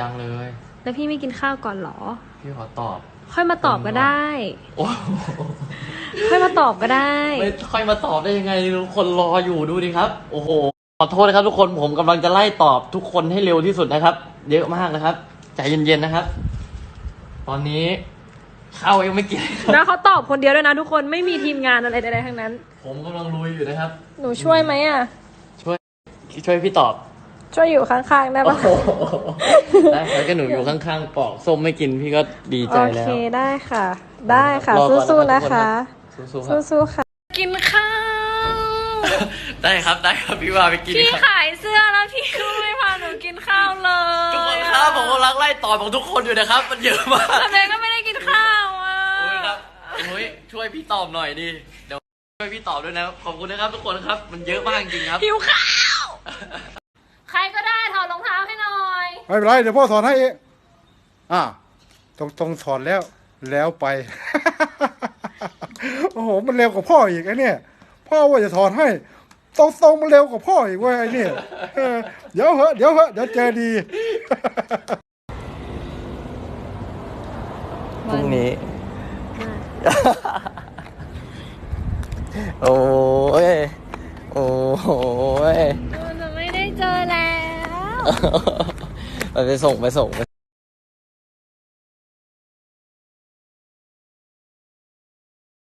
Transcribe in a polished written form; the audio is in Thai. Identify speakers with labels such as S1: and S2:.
S1: ยังเลย
S2: แล้วพี่ไม่กินข้าวก่อนเหรอ
S1: พี่ขอตอบ
S2: ค่อยมาตอบก็ได้
S1: โอ้
S2: ค่อยมาตอบก็ได้
S1: ไม่ค่อยมาตอบได้ยังไงทุกคนรออยู่ดูดิครับโอ้โหขอโทษนะครับทุกคนผมกำลังจะไล่ตอบทุกคนให้เร็วที่สุดนะครับเยอะมากนะครับใจเย็นๆนะครับ ตอนนี้ข้าวยังไม่กินครับ
S2: แล้วเขาตอบคนเดียวด้วยนะทุกคนไม่มีทีมงานอะไรใดๆทั้งนั้น
S1: ผมกำลังลุยอยู่นะครับ
S2: หนูช่วยไหมอ่ะ
S1: ช่วยพี่ตอบ
S2: ช่วยอยู่ข้างๆได้
S1: โอ้
S2: ปะ
S1: โหได้ครับก็หนูอยู่ข้างๆปอกส้มไม่กินพี่ก็ดีใจ
S2: โอ
S1: แล้ว
S2: เคได้ค่ะ ได้ค่ะ
S1: รอก่อน
S2: สู้ๆ
S1: นะ
S2: นะคะ
S1: สู้ๆครับ
S2: สู้ๆค่ะ กินข้าว
S1: ได้ครับพี่ว่าไปกิน
S2: พี่
S1: ครับ
S2: ขายเสื้อแล้วพี่ก็ไม่พาหนูกินข้าวเลย
S1: ทุกคนครับผมกำลังไล่ตอบของทุกคนอยู่นะครับ มันเยอะมาก
S2: ทำไมก็ไม่ได้กินข้าวอ่ะ
S1: โอ้ยครับโอ้ยช่วยพี่ตอบหน่อยดิเดี๋ยวช่วยพี่ตอบด้วยนะขอบคุณนะครับทุกคนครับ มันเยอะมากจริงๆครับ
S2: หิวข้าว ใครก็ได้ถอดรองเท้าให้หน่อย
S3: ไม่เป็นไรเดี๋ยวพ่อสอนให้เองต้องสอนแล้วไป โอ้โหมันเร็วกว่าพ่ออีกไอ้เนี่ยพ่อว่าจะถอนให้ตรงมันเร็วกว่าพ่ออีกเว้ยไอ้เนี่ยเดี๋ยวเดี๋ยวเจอดี
S1: พรุ่งนี้ โอ้ยโอ้ย
S2: เราจะไม่ได้เจอแล้ว
S1: ไปส่ง